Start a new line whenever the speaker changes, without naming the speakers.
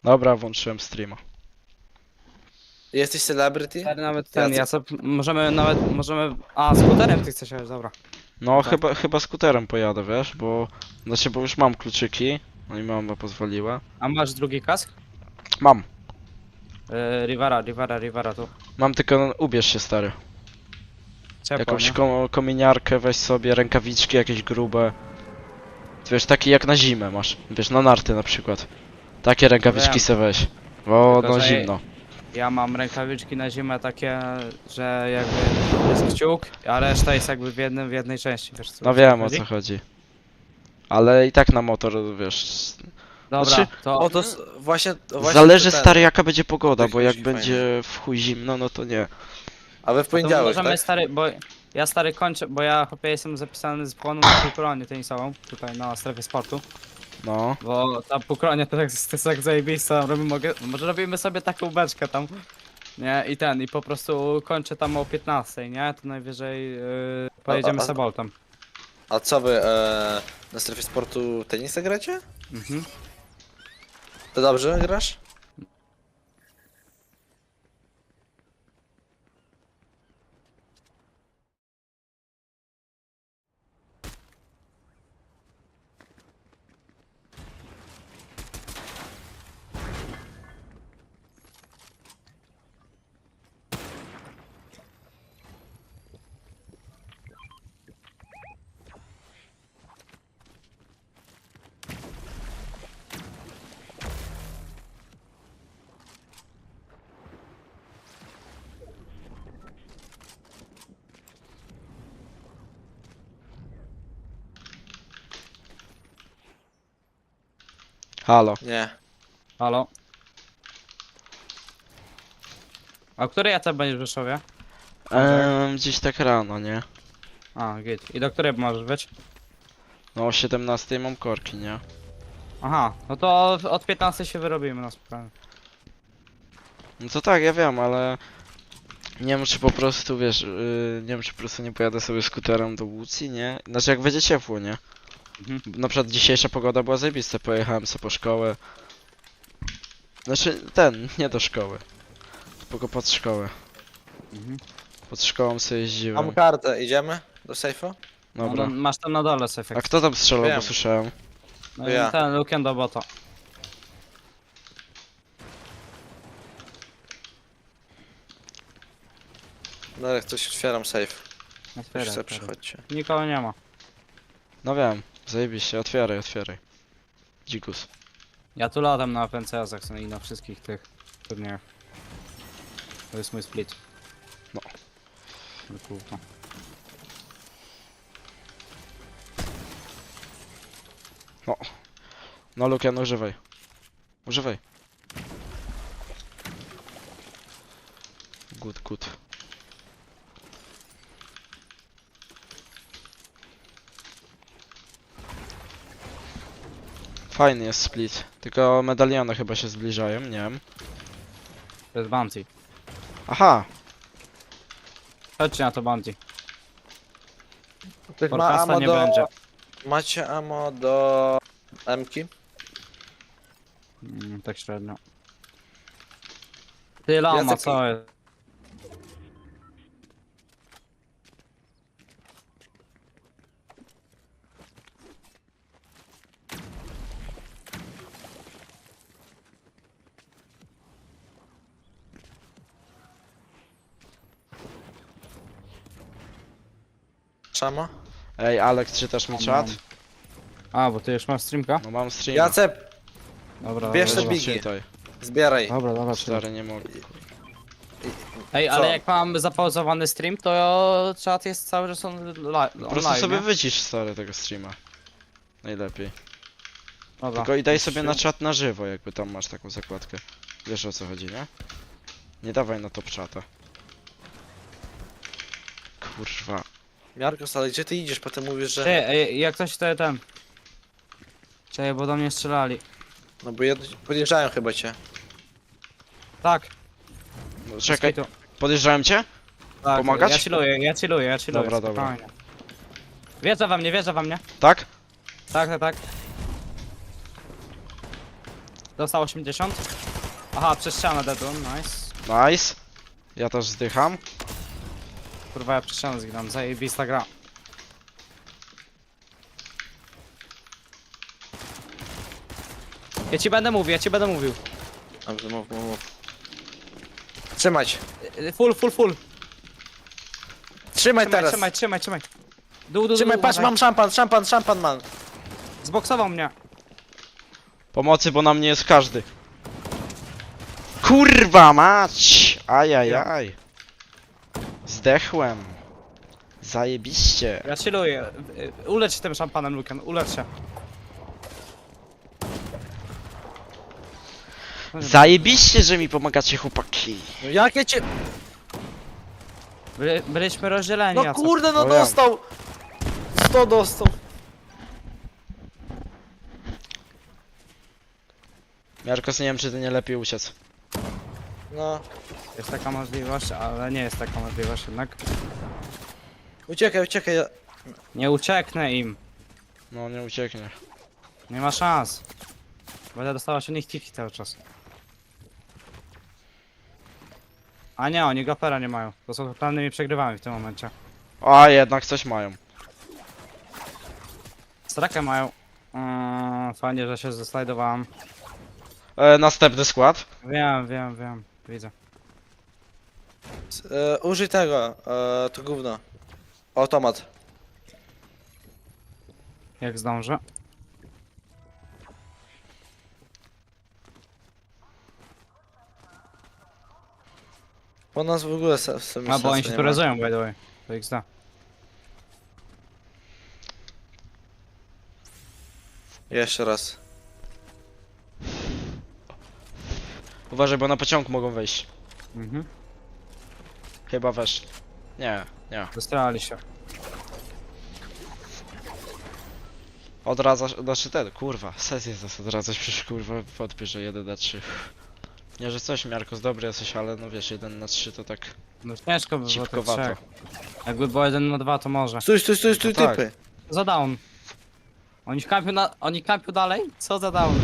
Dobra, włączyłem streama.
Jesteś celebrity?
Stary, nawet ten,
Ja
ja sobie, możemy, a skuterem ty chcesz jechać, dobra.
No
Tak.
chyba skuterem pojadę, wiesz, bo... Znaczy, bo już mam kluczyki. No i mama pozwoliła.
A masz drugi kask?
Mam.
Rivera tu.
Mam tylko, no, ubierz się, stary.
Ciepło,
Jakąś
nie?
kominiarkę weź sobie, rękawiczki jakieś grube. Wiesz, takie jak na zimę masz. Wiesz, na narty na przykład. Takie rękawiczki
Wiem.
se weź. Bo
Tylko,
no
że
zimno.
Ja mam rękawiczki na zimę takie, że jakby jest kciuk, a reszta jest jakby w jednej części, wiesz co?
No wiem o co chodzi. Ale i tak na motor, wiesz...
Dobra,
Znaczy,
to...
O, to właśnie
Zależy,
ten.
stary, jaka będzie pogoda,
Tak
bo jak
musi
będzie w chuj zimno, no to nie.
A we w
To
poniedziałek,
możemy,
tak?
stary, bo ja stary kończę, bo ja chłopie jestem zapisany z płonu na półkolonie tenisową, tutaj na strefie sportu.
No.
Bo ta półkolonia to jest tak zajebista, może robimy sobie taką beczkę tam. Nie, i po prostu kończę tam o 15, nie? To najwyżej pojedziemy sobie boltem.
A co wy na strefie sportu tenisa gracie?
Mhm.
To dobrze grasz?
Halo.
Nie.
Halo? A o której AC będziesz w Rzeszowie?
Gdzieś tak rano, nie?
A, git. I do której możesz być?
No o 17 mam korki, nie?
Aha, no to od 15 się wyrobimy na spokojnie.
No to tak, ja wiem, ale... Nie wiem, czy po prostu, wiesz, nie wiem, czy po prostu nie pojadę sobie skuterem do Łucji, nie? Znaczy, jak będzie ciepło, nie?
Mhm.
Na przykład dzisiejsza pogoda była zajebista, pojechałem sobie po szkołę. Znaczy, nie do szkoły. Tylko pod szkołę.
Mhm.
Pod szkołą sobie jeździłem.
Mam kartę, idziemy do sejfu?
Dobra.
No, masz tam na dole sefek.
A kto tam strzelał, bo
Wiem.
słyszałem?
No
ja.
i ten Luken do bota.
No jak coś otwieram safe.
Otwieraj,
Już sobie
otwieraj.
przychodźcie.
Nikogo nie ma.
No wiem, zajebiście, otwieraj, otwieraj. Dzikus.
Ja tu latam na FNCS-ach i na wszystkich tych turniejach. To jest mój split.
No.
No kurwa.
No Lukian, używaj. Używaj. Good, good. Fajny jest split. Tylko medaliony chyba się zbliżają, nie wiem.
To jest bounty.
Aha!
Chodźcie na to bounty.
Ktoś ma
Forecasta
ammo
nie
do...
będzie.
Macie ammo do... M-ki?
Tak średnio. Ty lama,
Jacek-
co jest?
Szama?
Ej, Alex, czytasz mi czat?
A, bo ty już masz streamka?
No mam stream.
Jacep,
Dobra,
Bierz
dobra,
te
dobra.
bigi.
Czytaj.
zbieraj.
Dobra, dobra,
Stary, nie mogę.
Ej,
Co?
ale jak mam zapauzowany stream, to czat jest cały czas
Po prostu
online,
sobie
nie?
wycisz, stary, tego streama. Najlepiej.
Dobra.
Tylko i daj sobie na czat na żywo, jakby tam masz taką zakładkę. Wiesz o co chodzi, nie? Nie dawaj na top czata. Kurwa.
Miarkos, ale gdzie ty idziesz? Potem mówisz, że...
Ty, ej, jak ktoś to ten... Czekaj, bo do mnie strzelali.
No bo podjeżdżają chyba cię.
Tak.
No, czekaj,
tu.
podjeżdżałem cię?
Tak,
Pomagać?
Ja chilluję.
Dobra, dobra.
spokojnie. Wjeżdża we mnie.
Tak?
Tak. Dostał 80. Aha, przez ścianę deadun, nice.
Nice. Ja też zdycham.
Kurwa, ja przez ścianę zginam, zajebista gra. Ja ci będę mówił, ja ci będę mówił.
Dobrze, mów. Trzymać.
Full.
Trzymaj teraz.
Trzymaj. Dół,
Trzymaj, patrz,
uważaj.
mam szampan mam.
Zboksował mnie.
Pomocy, bo na mnie jest każdy. Kurwa mać! Ajajaj. Zdechłem. Zajebiście.
Ja chilluję. Ulecz się tym szampanem, Luken, ulecz się.
Zajebiście, że mi pomagacie, chłopaki.
No jakie cię...
Byliśmy rozdzieleni,
No
Jacek.
kurde, no
No ja.
dostał. 100 dostał.
Jarkos, nie wiem, czy ty nie lepiej uciec.
No.
Jest taka możliwość, ale nie jest taka możliwość jednak.
Uciekaj.
Nie ucieknę im.
No, nie ucieknie.
Nie ma szans. Będę dostawać od nich tiki cały czas. A nie, oni gapera nie mają. To są totalnymi przegrywami w tym momencie.
A, jednak coś mają.
Strakę mają. Fajnie, że się zeslajdowałem.
Następny skład.
Wiem. Widzę.
Użyj tego, to gówno. Automat.
Jak zdążę.
Bo nas w ogóle w sumie
A bo oni
sensu
się
nie
tu
ma.
rezują, by the way. To XD.
Jeszcze raz.
Uważaj, bo na pociąg mogą wejść.
Mhm.
Chyba weszli. Nie.
Zestrali się.
Odradzasz, znaczy ten, kurwa, sesję zas odradzać, przecież kurwa wątpię, że 1 na 3. Nie, że coś, Miarkos, dobry jesteś, ale no wiesz, 1 na 3 to tak
No ciężko by było tych
cipkowato.
trzech. Jakby było 1 na 2 to może.
Stój,
No tak.
typy.
Za down. Oni kampią dalej? Co za down?